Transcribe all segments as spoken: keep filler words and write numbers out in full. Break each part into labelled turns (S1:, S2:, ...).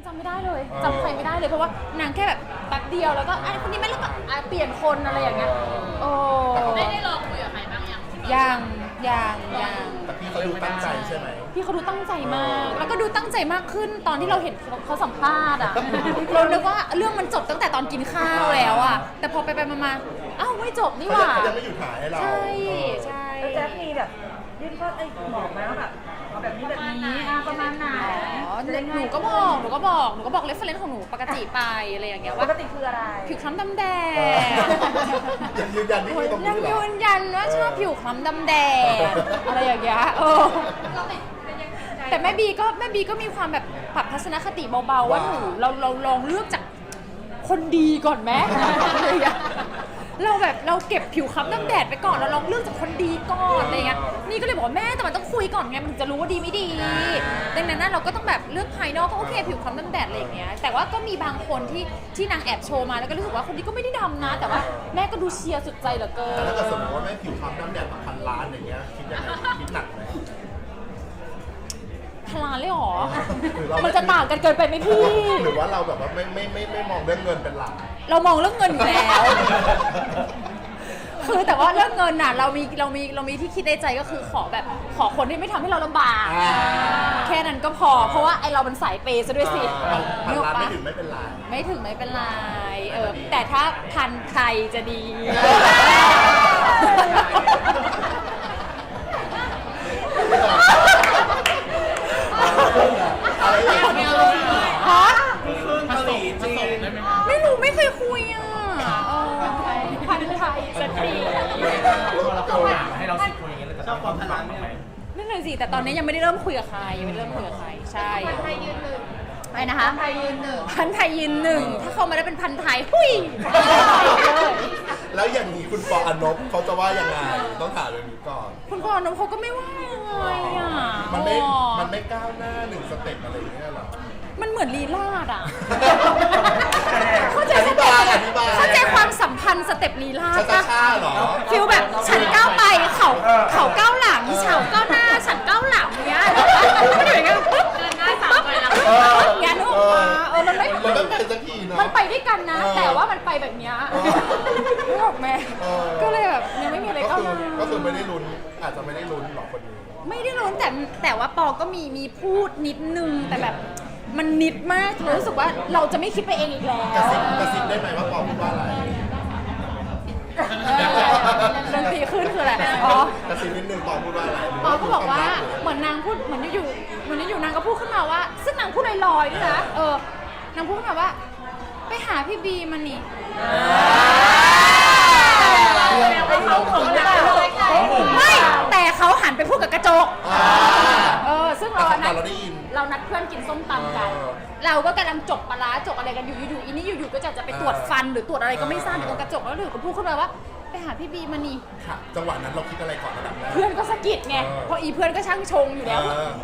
S1: จำไม่ได้เลยจำใครไม่ได้เลยเพราะว่านางแค่แบบแป๊บเดียวแล้วก็ไอ้คนนี้ไม่แล้วก็อ่ะเปลี่ยนคนอะไรอย่างเงี้ยโอ้
S2: ได้ได้ลองคุยกับใครบ้างยัง
S1: ยังยังยัง
S3: แต่พี่เขาดูตั้งใจใช่ไหม
S1: พี่เขาดูตั้งใจมาก แล้วก็ดูตั้งใจมากขึ้นตอนที่เราเห็นเขาสัมภาษณ์อ่ะ เราคิดว่าเรื่องมันจบตั้งแต่ตอนกินข้าวแล้วอ่ะแต่พอไปไปมาๆอ้าวไม่จบนี่ห
S3: เขา
S1: ว่า
S3: ยังไม่หยุดถ่ายให้เรา
S1: ใช่
S3: เออ
S1: ใช่
S4: แล้วแจ๊คมีแบบยื่นข้อไอ้บอกไหมว่าแบบเอาแบบนี้แบบนี้อ่ะประมาณไหน
S1: อ๋อ
S4: จะได้
S1: ห
S4: ง่าย
S1: นูก็บอกหนูก็บอกหนูก็บอกเรฟเฟรนซ์ของหนูปกติไปอะไรอย่างเงี้ย
S4: ป
S1: ว่าก
S4: ติคืออะไร
S1: ผิวคล้ำดำแดง
S3: ยังยืนยันที่นี่ตรง
S1: ยั
S3: นี้
S1: ง
S3: เหรอ
S1: ยืนยันว่าชอบผิวคล้ำดำแดงอะไรอย่างเงี้ยเออแต่แม่บีก็แม่บีก็มีความแบบปรับทัศนคติเบาๆว่าหนูเราเราลองเลือกจากคนดีก่อนไหมอะไรอย่างเงี้ยเราแบบเราเก็บผิวคล้ำดำแดดไปก่อนเราลองเลือกจากคนดีก่อนอะไรเงี้ยนี่ก็เลยบอกว่าแม่แต่มันต้องคุยก่อนไงมันถึงจะรู้ว่าดีไม่ดีดังนั้นนะเราก็ต้องแบบเลือกภายนอกก็โอเคผิวคล้ำดำแดดอะไรอย่างเงี้ยแต่ว่าก็มีบางคนที่ที่นางแอบโชว์มาแล้วก็รู้สึกว่าคนนี้ก็ไม่ได้ดำนะ แต่ว่าแม่ก็ดูเชียร์สุดใจเหลือเกิ
S3: แต่
S1: น
S3: ถ้าเกิดสมมติว่าแม่ผิวคล้ำน้ำแดดมาพันล้านอย่างเงี้ยคิดยังไงคิดหนักไหม
S1: พลานเลยเหรอ
S3: หรือเรา
S1: มันจะต่างกันเกินไปไหมพี่
S3: หรือว่าเราแบบว่าไม่ไม่ไม่ไม่มองเรื่องเงินเป็นหลัก
S1: เรามองเรื่องเงินอยู่แล้ว คือแต่ว่าเรื่องเงินน่ะเรามีเรามีเรามีที่คิดในใจก็คือขอแบบขอคนที่ไม่ทำให้เราลำบาก
S3: อ่า
S1: แค่นั้นก็พอ เพราะว่าไอเราเป็นสายเปย์ซะด้วยสิ
S3: พัน
S1: นึกออก
S3: ล้าน
S1: ปะ
S3: ไม่ถึงไม่เป็นไร
S1: ไม่ถึงไม่เป็นไรเออแต่ถ้าพันใครจะดี
S3: อะไรอย่างเงี้ย
S1: ฮะ
S5: เกาหลีจีน
S1: ไม่รู้ไม่เคยคุยอ่ะเออพันไทยจะดี
S5: พอเราเข้าหาให้เราสิบคนอย่างเงี้ยเราจะชอบความพลังไหม
S1: นั่นเลยสิแต่ตอนนี้ยังไม่ได้เริ่มคุยกับใครยังไม่ได้เริ่มคุยกับใครใช่
S2: ไทยยืนหนึ่ง
S1: อะไรนะคะ
S2: ไทยยืนหนึ่ง
S1: พันไทยยืนหนึ่งถ้าเขามาได้เป็นพันไทยหุย
S3: แล้วอย่างนี้คุณปออนบเขาจะว่ายังไงต้องถามเรื่องนี้ก่อน
S1: คุณพ่อน้องเขาก็ไม่ว่าอะไรอ่ะ
S3: มันไม่
S1: อ๋อ
S3: มันไม่ก้าวหน้าหนึ่งสเต็ปอะไรอย่างเงี้ยหรอ
S1: มันเหมือนลีลาดอ่ะ เข้าใจ
S3: อธิบายอธิบาย
S1: เข้าใจความสัมพันธ์สเต็ปลีลาด
S3: ช้า
S1: ปะ
S3: ช้าๆเหรอ
S1: ฟิลแบบฉันก้าวไปเขาเขาก้าวหลังเฉาก้าวหน้าฉันก้าวหลังเนี้ยมันอยู่อย่างเงี้ยปุ๊บ
S2: เดินหน้าสามไปแล้ว
S1: เอออย่างเงี้ยนึกออกปะเออมันไม่
S3: มันไม่เป็นสักทีเนาะ
S1: มันไปด้วยกันนะ
S3: เออ
S1: แต่ว่ามันไปแบบเนี้ย
S3: เออ
S1: นึกออกไหม
S3: เออ
S1: ก็เลยแบบยังไม่มีอะไร
S3: ก็
S1: ก้าว
S3: คือ
S1: หน้า
S3: ก็คือไม่ได้ลุ้นอาจจะไม่ได้ลุ้นหรอกคนนี้
S1: ไม่ได้รู้แต่แต่ว่าปอก็มีมีพูดนิดนึงแต่แบบมันนิดมากเลยรู้สึกว่าเราจะไม่คิดไปเองอีกแล้ว
S3: กระซิบกระซิบได้ไหมว่าปอพูดว่าอะไร
S1: ดนตรีขึ้นคืออะไรอ๋อก
S3: ระซิบนิดนึงปอพูดว่าอะไร
S1: ปอก็บอกว่าเหมือนนางพูดเหมือนอยู่ๆเหมือนอยู่ๆนางก็พูดขึ้นมาว่า ซึ่งนางพูดลอยๆด้วยนะเออนางพูดขึ้นมาว่า ไปหาพี่บีมานี่
S4: ไปเขาของเรา
S1: ไม่แต่เขาหันไปพูดกับกระจก
S3: อ่า
S1: เออซึ่งเรา
S3: แต่
S1: นัด
S3: เราได้ยิน
S1: เรานัดเพื่อนกินส้มตำกัน
S3: เออ
S1: เราก็กำลังจกปลาร้าจกอะไรกันอยู่อยู่ๆอีนี่อยู่ๆก็จะจะไปตรวจฟันหรือตรวจอะไรก็ไม่ทราบอยู่ตรงกระจกแล้วอยู่ก็พูดขึ้นมาว่า ไปหาพี่บีมานี่
S3: ค่ะจังหวะนั้นเราคิดอะไรก่อนระดับแรก
S1: เพื่อนก็สะกิดไง
S3: เออ
S1: เพราะอีเพื่อนก็ช่างชงอยู่แล้ว
S3: เออ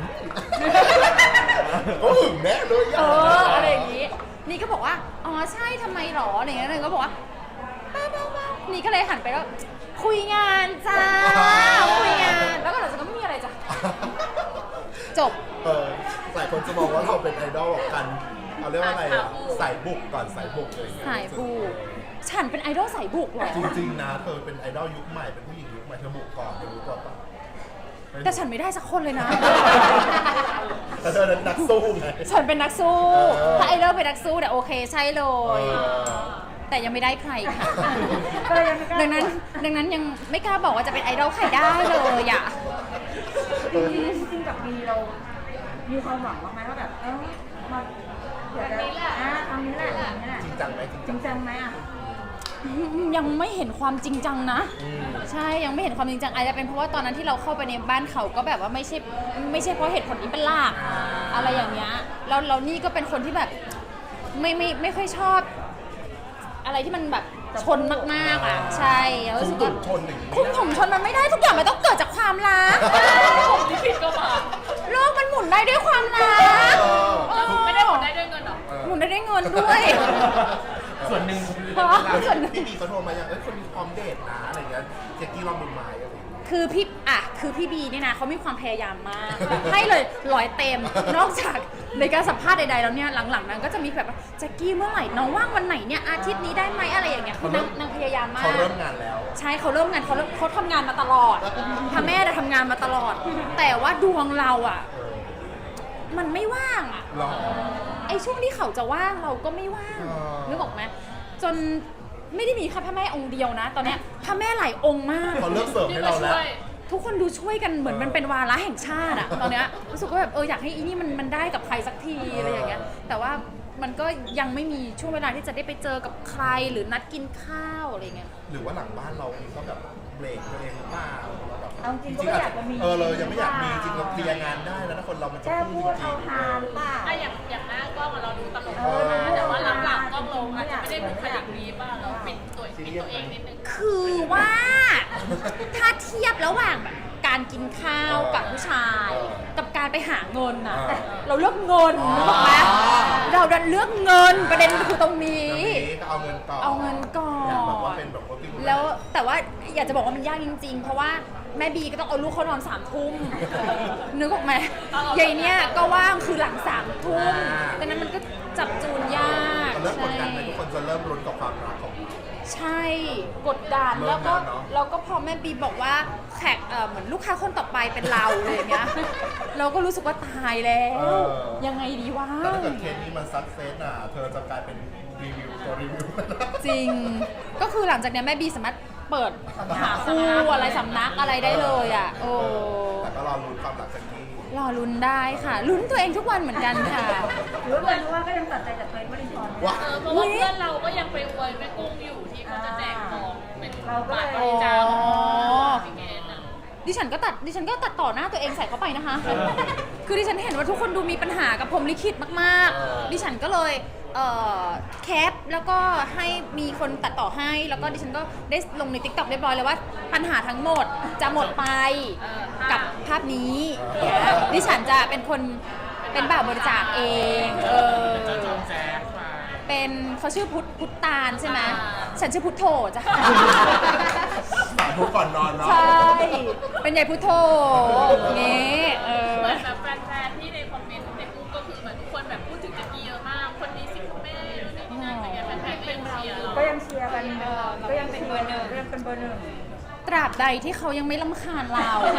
S3: ก็หึงแน่เลย
S1: เอออะไรอย่างงี้ นี่ก็บอกว่า อ๋อใช่ทำไมหรออะไรอย่างเงี้ยเลยก็บอกว่าเบ้าเบ้าเบ้านี่ก็เลยหันไปแล้วคุยงานจ้า คุยงาน แล้วก็หลังจากนั้นก็ไม่มีอะไรจ้ะ จบ
S3: เออหลายคนจะมองว่าเราเป็นไอดอลกันเอาเรียกว่าอะไรอะสายบุกก่อนสายบุกอะไรอย่างเงี้ย
S1: สายบุก ฉันเป็นไอดอลสายบุกเหรอ
S3: จริงๆนะเธอเป็นไอดอลยุคใหม่เป็นผู้หญิงยุคใหม่เธอบุกก่อนเธอรู้ก่อนปะ
S1: แต่ฉันไม่ได้สักคนเลยนะ
S3: แต่เธอนั้นนักสู้ไง
S1: ฉันเป็นนักสู้
S3: เออ
S1: ถ้าไอดอลเป็นนักสู้เนี่ยโอเคใช่เลย
S3: เออ
S1: แต่ยังไม่ได้ใครค่ะ
S4: ก็เลยยังไม่กล้า
S1: ดังนั้นดังนั้นยังไม่กล้าบอกว่าจะเป็นไอดอลใครได้เลยอ่ะ
S4: จริงๆจริงๆกับบีเรา มีความหวังบ้างไหมว่าแบบเออมาเดี๋ยวจะอ่ะทำนี้แหละทำนี้แหละ
S3: จริงจังไหมจริง
S4: จริงจังไหมอ่ะ
S1: ยังไม่เห็นความจริงจังนะ
S3: อืม
S1: ใช่ยังไม่เห็นความจริงจังอาจจะเป็นเพราะว่าตอนนั้นที่เราเข้าไปในบ้านเขาก็แบบว่าไม่ใช่ไม่ใช่เพราะเหตุผลนี้เป็นหลักอะไรอย่างเงี้ยแล้วเรานี่ก็เป็นคนที่แบบไม่ไม่ไม่ค่อยชอบ อะไรที่มันแบบชนมากๆอ่ะใช่แล้วรู้สึกว่า
S3: ชนหนึ่ง
S1: คุ้มถุงชนมันไม่ได้ทุกอย่างมันต้องเกิดจากความรัก
S2: ผมที่ผิดก็มา
S1: โลกมันหมุนได้ด้วยความรัก
S2: ไม่ได้หมดได้ด้วยเงินหรอ
S1: หมุนได้ด้วยเงินด้วย
S5: ส่วนหนึ่ง
S1: เพราะว่าส่วนหนึ่ง
S3: พี่บีเขาโทรมาอย่างเอ้ยคนนี้พร้อมเดทนะอะไรเงี้ยเจ๊กกี้ลองมือไม้อะไรอย่างเงี้ย
S1: คคือพี่อ่ะคือพี่บีเนี่ยนะเขามีความพยายามมาก ให้เลยร้อยเต็ม นอกจากในการสัมภาษณ์ใดๆแล้วเนี่ยหลังๆนั้นก็จะมีแบบว่าแจ็คกี้เมื่อไหร่น้องว่างวันไหนเนี่ยอาทิตย์นี้ได้ไหมอะไรอย่างเงี้ยคือนางนางพยายามมาก
S3: เขาเริ่มงานแล้ว
S1: ใช่เขาเริ่มงานเขาเริ่มเขาทำงานมาตลอดพ่อแม่จะทำงานมาตลอด แต่ว่าดวงเราอ่ะ
S3: เออ
S1: มันไม่ว่างอ่ะ
S3: หรอ
S1: ไอ้ช่วงที่เขาจะว่างเราก็ไม่ว่าง
S3: อ๋อ
S1: นึกออกไหมจนไม่ได้มีแค่พระแม่องค์เดียวนะ ตอนเนี้ยพระแม่หลายองค์มาก
S3: เขาเลิกเสิร์ฟให้เราแล้ว
S1: ทุกคนดูช่วยกันเหมือนมันเป็นวาระแห่งชาติอะตอนเนี้ยรู้สึกว่าแบบเอออยากให้อีนี่มันมันได้กับใครสักทีอะไรอย่างเงี้ยแต่ว่ามันก็ยังไม่มีช่วงเวลาที่จะได้ไปเจอกับใครหรือนัดกินข้าวอะไรเงี้ย
S3: หรือว่าหลังบ้านเราเองก็แบบเบรกตัวเองหรือเปล่าแบบ
S4: เอาจริงก็ไม่อยากจะมี
S3: เออเรายังไม่อยากมีจริงเราเคลียร์งานได้แล้วนะคนเรามันจะ
S4: แค่
S3: พู
S4: พู
S3: ด
S4: ด
S3: จริ
S4: เอา
S3: ง
S4: ฮาหรือเปล่า
S2: อะอย่างอย่างหน้ากล้องอะเราดูตลก
S4: เออ
S2: นะแต่ว่าหลังๆกล้องลงอาจจะไม่ได้บุคลิกนี้ป่ะเราปิดตัวปิดตัวเองนิดนึง
S1: คือว่าถ้าเทียบระหว่างแบบการกินข้าวกับผู้ชาย กับการไปหาเงินน่ะเราเลือกเงินนึกออกไหมเราดันเลือกเงินประเด็นคือตรงนี้
S3: ๆนี้ก็เอาเงินก่อน
S1: เอาเงินก่อน
S3: ยากแบบว่าเป็นแบบ working woman
S1: แล้วแต่ว่าอยากจะบอกว่ามันยากจริง ๆ เพราะว่าแม่บีก็ต้องเอาลูกเขานอนสามทุ่มนึกออกไหมยายเนี่ยก็ว่างคือหลังสามทุ่มดังนั้นมันก็จับจูนยาก
S3: เริ่มกด
S1: ใช่
S3: ดันไหมทุกคนจะเริ่มรุนกับความรักของ
S1: ใช่กดดัน
S3: เริ่ม
S1: แล้วก็
S3: แล้วเนอะ
S1: แล้วก็พอแม่บีบอกว่าแขกเอ่อเหมือนลูกค้าคนต่อไปเป็นเราเลยอย่างเงี้ย เราก็รู้สึกว่าตายแล้ว
S3: เออ
S1: ยังไงดีวะ
S3: แต่ถ้าเกิดเคสนี้มันซักเซสอ่ะเธอจะกลายเป็นรีวิวตัวรีวิว
S1: จริง ก็คือหลังจากเนี้ยแม่บีสามารถเปิดหาคู่อะไรสำนักอะไรได้เลยอ่ะโอ้
S3: แต่ก็รอลุ้นความหลังจากนี้
S1: รอลุ้นได้ค่ะ ลุ้นตัวเองทุกวันเหมือนกันค่ะ
S4: หรือว่าเป็นเพราะว่าก็ยังตัดใจจากเฟซวรินทร์
S3: ว้า
S2: เออเพราะว่าเพื่อนเราก็ยังไปอวยแม่กุ้งอยู่ที่เขาจะแจกของเป็น
S4: เราก็เลย
S2: บริจาค
S1: อ๋อ
S2: พี่เกณฑ์อะ
S1: ดิฉันก็ตัดดิฉันก็ตัดต่อหน้าตัวเองใส่เข้าไปนะคะ คือดิฉันเห็นว่าทุกคนดูมีปัญหากับพรหมลิขิตมากๆ ดิฉันก็เลยเอ่อแคปแล้วก็ให้มีคนตัดต่อให้ แล้วก็ดิฉันก็ได้ลงใน ติ๊กต็อก เรียบร้อยเลยว่าปัญหาทั้งหมดจะหมดไปกับภาพนี้เนี่ยดิฉันจะเป็นคนเป็นบ่าวบริจาคเองเออ
S5: จะจองแจ๊สมา
S1: เป็นเขาชื่อพุทธพุทธตาลใช่ไหมฉันชื่อพุทโธจ้ะ
S3: สาธุก่อนนอนเนาะ
S1: ใช่ เป็นใหญ่พุทโธเงี้เออ
S2: เหมือนแบบแฟนๆที่ในคอมเมนต์ในกลุ่มก็คือเหมือนทุกคนแบบพูดถึงแจ็คกี้เยอะมาก คนนี้สิคุณแม่ในที่นั่นอะไรเงี้ยแฟนๆก็ยังเชียร์เรา
S4: ก็ยังเชียร์กันก็ยังเป็นเบอร์หนึ่งก็ยังเป็นเบอร์หนึ่ง
S1: ตราบใดที่เขายังไม่รำคาญเรา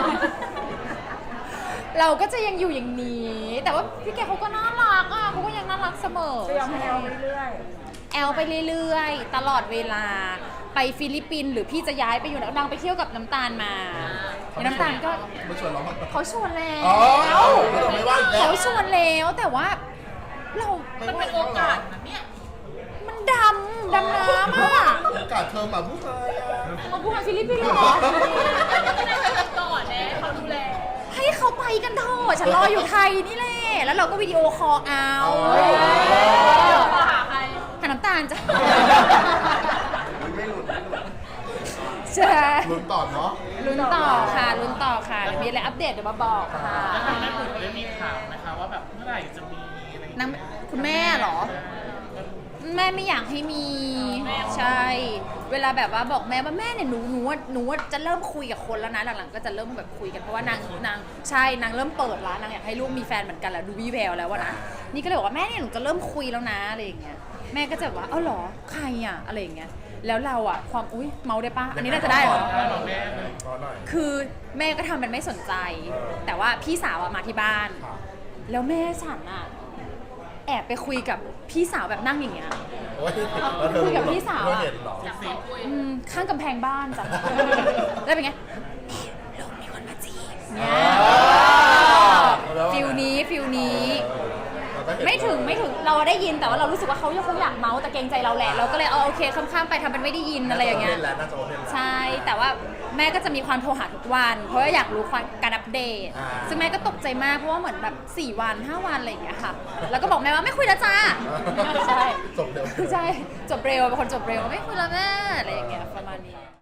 S1: เราก็จะยังอยู่อย่างนี้ แต่ว่าพี่แกเขาก็น่ารักอ่ะเขาก็ยังน่ารักเสมอ
S4: ก็ยังให้เอาไปเรื่อย
S1: แอลไปเรื่อยๆ ตลอดเวลา ไปฟิลิปปินส์หรือพี่จะย้ายไปอยู่นางไปเที่ยวกับน้ำตาลมาน้ำตาลก็
S3: ไม่ชวนเราบ้าง
S1: เขาชวนแล้ว
S3: อ๋อเราไม่ว่าอีกแล้ว
S1: เขาชวนแล้วแต่ว่าเรา
S2: มันเป็นโอกาสนะเนี่ย
S1: มันดำดำน้ำอ่ะ
S3: โอกาสเธอมาผู้ชายอ่ะ
S1: มาพูดกับฟิลิปปินส์เหรอ
S2: ก็ได้ไปก่อนแน่เขาดูแล
S1: ให้เขาไปกันเถอะฉันรออยู่ไทยนี่แหละ แล้วเราก็วิดีโอคอลเอา
S3: อ๋อ
S2: มาหาใคร
S1: หาน้ำตาลจ้ะ
S3: ไม่หลุดไม่หลุด
S1: ใช่
S3: ลุ้นต่อเนาะ
S1: ลุ้นต่อค่ะลุ้นต่อค่ะเดี๋ยวมีอะไรอัปเดตเดี๋ยวมาบอกค่ะ
S5: แล้วทางแม่ปุ๋ยได้มีข่าวไหมคะว่าแบบเมื่อไหร่จะมีอะไรอย่าง
S1: นาง
S5: เงี้ย
S1: คุณแม่เหรอ แม่ไม่อยากให้มี ใช่ เวลาแบบว่าบอกแม่ว่าแม่เนี่ยหนูหนูว่าหนูว่าจะเริ่มคุยกับคนแล้วนะหลังๆก็จะเริ่มแบบคุยกันเพราะว่านางนางใช่นางเริ่มเปิดแล้วนางอยากให้ลูกมีแฟนเหมือนกันแล้วดูวิแววแล้วว่านะนี่ก็เลยบอกว่าแม่เนี่ยหนูจะเริ่มคุยแล้วนะอะไรอย่างเงี้ยแม่ก็จะแบบว่าเอ้าเหรอใครอ่ะอะไรอย่างเงี้ยแล้วเราอ่ะความอุ้ยเมาได้ปะอันนี้น่าจะได้เหรอ
S5: ได้หรอแม่
S3: รอหน่อย
S1: คือแม่ก็ทำเป็นไม่สนใจ แต่ว่าพี่สาวอะมาที่บ้าน
S3: ค่ะ
S1: แล้วแม่ฉันอะแอบไปคุยกับพี่สาวแบบนั่งอย่างเงี้ย
S3: โอ้ยแล้วเธอ
S1: คุยกับ
S3: รู้เหรอ
S1: พี่สาว
S3: เธอ
S1: อะ
S3: เห็นเหรอ
S2: จับขอคุย
S1: อืมข้างกำแพงบ้านจ้ะ แล้วเป็นไงลูกมีคนมาจีบเนี่ย
S3: แล้ว
S1: ฟิลนี้ฟิลนี้
S3: เราก็เห็น
S1: ไม่ถึงไม่ถึงเราได้ยินแต่ว่าเรารู้สึกว่าเขายังคงอยากเมาส์แต่เกรงใจเราแหละเราก็เลยเอาโอเคข้ามๆไปทำเป็นไม่ได้ยินอะไรอย่างเงี้ย
S3: น่าจะโอเพนแล้วน่าจะโอเพนแล้ว
S1: ใช่ แต่ว่าแม่ก็จะมีความโทรหาทุกวัน เพราะว่าอยากรู้ความการอัปเดต
S3: อ่า
S1: ซึ่งแม่ก็ตกใจมากเพราะว่าเหมือนแบบสี่วันห้าวันอะไรอย่างเงี้ยค่ะ แล้วก็บอกแม่ว่าไม่คุยแล้วจ้า ใช่
S3: จบเร็ว
S1: ใช่ จบเร็วเป็นคนจบเร็วไม่คุยแล้วแม่อะไรอย่างเงี้ยประมาณนี้